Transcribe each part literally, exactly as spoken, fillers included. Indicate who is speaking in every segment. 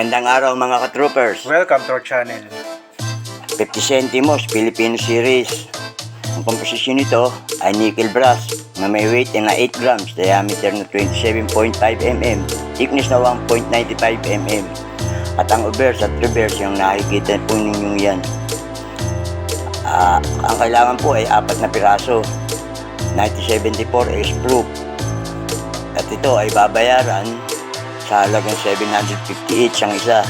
Speaker 1: Magandang araw mga ka-troopers.
Speaker 2: Welcome to our channel.
Speaker 1: fifty centimos Filipino series. Ang komposisyon nito ay nickel brass na may weight na eight grams, diameter na twenty-seven point five millimeters, thickness na one point nine five millimeters. At ang obverse at reverse yung nakikita po ninyo yan. Uh, ang kailangan po ay apat na piraso, nineteen seventy-four S proof. At ito ay babayaran sa halagang seven hundred fifty each ang isa.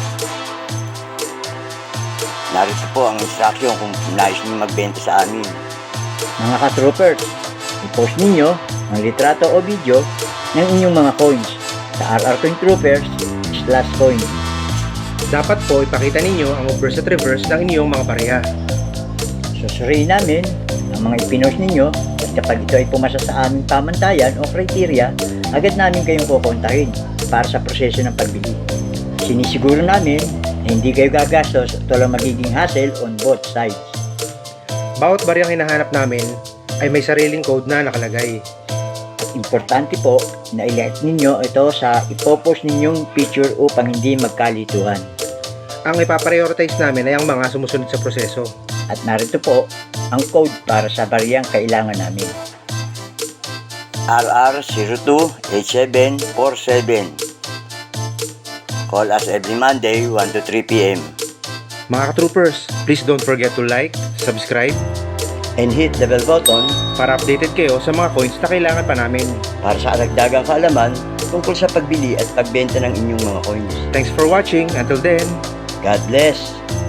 Speaker 1: Narito po ang instruction kung nais niyo magbenta sa amin.
Speaker 3: Mga ka-troopers, i-post ninyo ang litrato o video ng inyong mga coins sa R R Coin Troopers slash coin.
Speaker 2: Dapat po ipakita ninyo ang obverse at reverse ng inyong mga pareha.
Speaker 3: Susuriin namin ang mga ipinost ninyo at kapag ito ay pumasa sa aming pamantayan o criteria, agad namin kayong kukontahin para sa proseso ng pagbili. Sinisiguro namin na hindi kayo gagastos at walang magiging hassle on both sides.
Speaker 2: Bawat bariyang hinahanap namin ay may sariling code na nakalagay.
Speaker 3: At importante po na i-like ninyo ito sa ipopost ninyong picture upang hindi magkalituhan.
Speaker 2: Ang ipaprioritize namin ay ang mga sumusunod sa proseso.
Speaker 3: At narito po ang code para sa bariyang kailangan namin.
Speaker 1: R R zero two eight seven four seven. Call us every Monday one to three p m
Speaker 2: Mga ka-troopers, please don't forget to like, subscribe,
Speaker 1: and hit the bell button
Speaker 2: para updated kayo sa mga coins na kailangan pa namin.
Speaker 1: para sa aragdagang kaalaman tungkol sa pagbili at pagbenta ng inyong mga coins.
Speaker 2: Thanks for watching. Until then,
Speaker 1: God bless!